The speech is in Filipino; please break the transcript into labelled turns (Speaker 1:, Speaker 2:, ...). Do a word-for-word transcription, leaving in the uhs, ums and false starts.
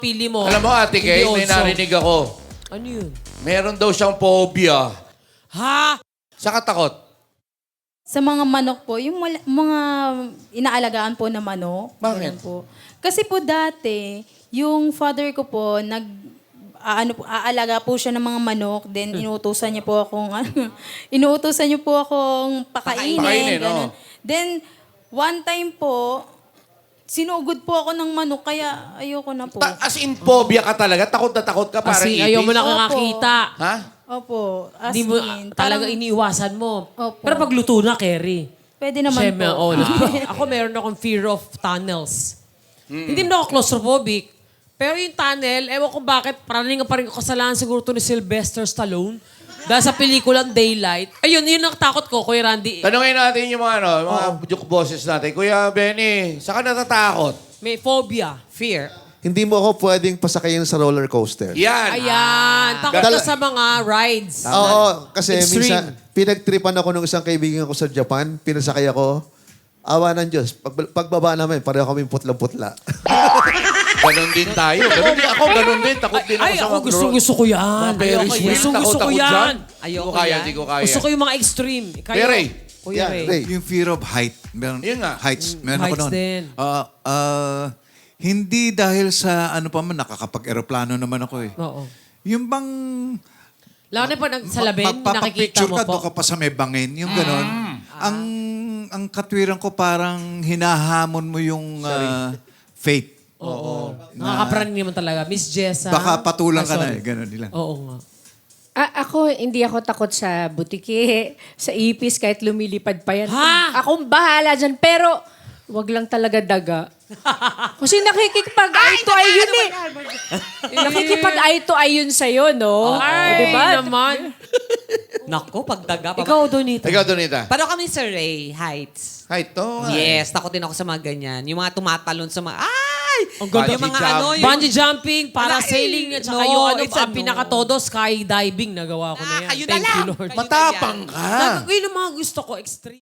Speaker 1: pili mo.
Speaker 2: Alam mo, Ate Kay, may
Speaker 1: Hindi also.
Speaker 2: narinig ako.
Speaker 1: Ano yun?
Speaker 2: Meron daw siyang phobia.
Speaker 1: Ha?
Speaker 2: Sa katakot.
Speaker 3: Sa mga manok po, yung wala- mga inaalagaan po na manok.
Speaker 2: Bakit?
Speaker 3: ganun po. Kasi po dati, yung father ko po, nag, ah, ano po, aalaga po siya ng mga manok, then inuutosan niya po akong, ano, inuutosan niya po akong pakainin.
Speaker 2: Pakainin,
Speaker 3: ganun.
Speaker 2: oo.
Speaker 3: Then, one time po, sinugod po ako ng manok, kaya ayoko na po.
Speaker 2: Ta- as in, phobia ka talaga? Takot na takot ka parang
Speaker 1: Kasi
Speaker 2: ipis?
Speaker 1: ayaw mo
Speaker 3: Opo.
Speaker 1: nakakakita.
Speaker 2: Ha?
Speaker 3: Opo, as
Speaker 1: Hindi mo
Speaker 3: in,
Speaker 1: talaga
Speaker 3: parang
Speaker 1: iniiwasan mo.
Speaker 3: Opo.
Speaker 1: Pero pag luto na, Kerry.
Speaker 3: pwede naman
Speaker 1: Siyempre,
Speaker 3: po.
Speaker 1: oh, ako meron akong fear of tunnels.
Speaker 2: Hmm.
Speaker 1: Hindi naman ako claustrophobic. Pero yung tunnel, ewan ko bakit, parang nga pa rin kasalanan siguro to ni Sylvester Stallone. Dahil sa pelikulang Daylight. Ayun, yun ang takot ko, Kuya Randy.
Speaker 2: Tanungin natin yung mga, ano, mga joke bosses natin. Kuya Benny, saan ka natatakot?
Speaker 1: May phobia, fear.
Speaker 4: Hindi mo ako pwedeng pasakayin sa roller coaster.
Speaker 2: Yan.
Speaker 1: Ayan, takot
Speaker 4: Dal-
Speaker 1: ka sa mga rides.
Speaker 4: Oo, kasi
Speaker 1: Extreme.
Speaker 4: minsan, pinagtripan ako ng isang kaibigan ko sa Japan, pinasakay ako, awa ng Diyos. Pag, pagbaba namin, pareho kami putlang-putla.
Speaker 2: Ganon din tayo. Ganon din ako. Ganon din. Takot din ako
Speaker 1: Ay,
Speaker 2: sa
Speaker 1: ako
Speaker 2: mga
Speaker 1: gusto,
Speaker 2: gro-
Speaker 1: gusto ko yan.
Speaker 2: Mga Ferris
Speaker 1: Ayoko
Speaker 2: wheel.
Speaker 1: yan. Gusto, gusto ko
Speaker 2: Takot-takot
Speaker 1: yan.
Speaker 2: dyan. Di ko kaya, di ko kaya.
Speaker 1: Gusto ko yung mga extreme. Kayo,
Speaker 2: Kuya Ray.
Speaker 1: Kuya
Speaker 4: Yeah,
Speaker 1: Ray.
Speaker 4: Ray.
Speaker 5: Yung fear of height. Meron,
Speaker 2: Yun nga.
Speaker 5: Heights. Meron ako
Speaker 1: Heights
Speaker 5: noon.
Speaker 1: din.
Speaker 5: Ah, ah, hindi dahil sa ano pa man, nakakapag-aeroplano naman ako eh.
Speaker 1: Oo.
Speaker 5: Yung bang...
Speaker 1: Lalo na po nag- sa labing, nakikita
Speaker 5: magpapapicture
Speaker 1: mo
Speaker 5: ka,
Speaker 1: po.
Speaker 5: doon ka pa sa may bangin. Yung ganon. Ang, ang katwiran ko parang hinahamon mo yung ah, fate.
Speaker 1: Oo. Nakakapraning naman talaga. Miss Jessa.
Speaker 5: Baka patulang
Speaker 1: Ah,
Speaker 5: ka na
Speaker 1: sorry.
Speaker 5: eh. Ganon nila.
Speaker 1: Oo nga.
Speaker 6: A- ako, hindi ako takot sa butiki, sa ipis, kahit lumilipad pa yan.
Speaker 1: Ha?
Speaker 6: Akong bahala dyan. Pero, wag lang talaga daga. Kasi nakikipag-eye to eye yun eh. Nakikipag-eye to eye yun sa'yo, no?
Speaker 1: Ay,
Speaker 6: O, diba?
Speaker 1: naman.
Speaker 7: Nako, pagdaga pa.
Speaker 1: Ikaw, Donita.
Speaker 2: Ikaw, Donita.
Speaker 7: Paano kami sa Ray Heights?
Speaker 2: Hi, to.
Speaker 7: Yes, takot din ako sa mga ganyan. Yung mga tumatalon sa mga... Ay!
Speaker 1: Ang ganda.
Speaker 7: Yung mga
Speaker 2: Bungee
Speaker 7: ano... Yung,
Speaker 1: Bungee jumping, parasailing, at saka
Speaker 7: No,
Speaker 1: yung ano,
Speaker 7: it's a
Speaker 1: ang
Speaker 7: no.
Speaker 1: pinaka-todo, skydiving. Nagawa ko na
Speaker 7: Ah,
Speaker 1: yan.
Speaker 7: kayo na
Speaker 1: Thank you,
Speaker 7: lang.
Speaker 1: Lord.
Speaker 7: Kayo na
Speaker 2: Matapang
Speaker 7: yan.
Speaker 2: ka.
Speaker 1: Nag- yun ang mga gusto ko, extreme.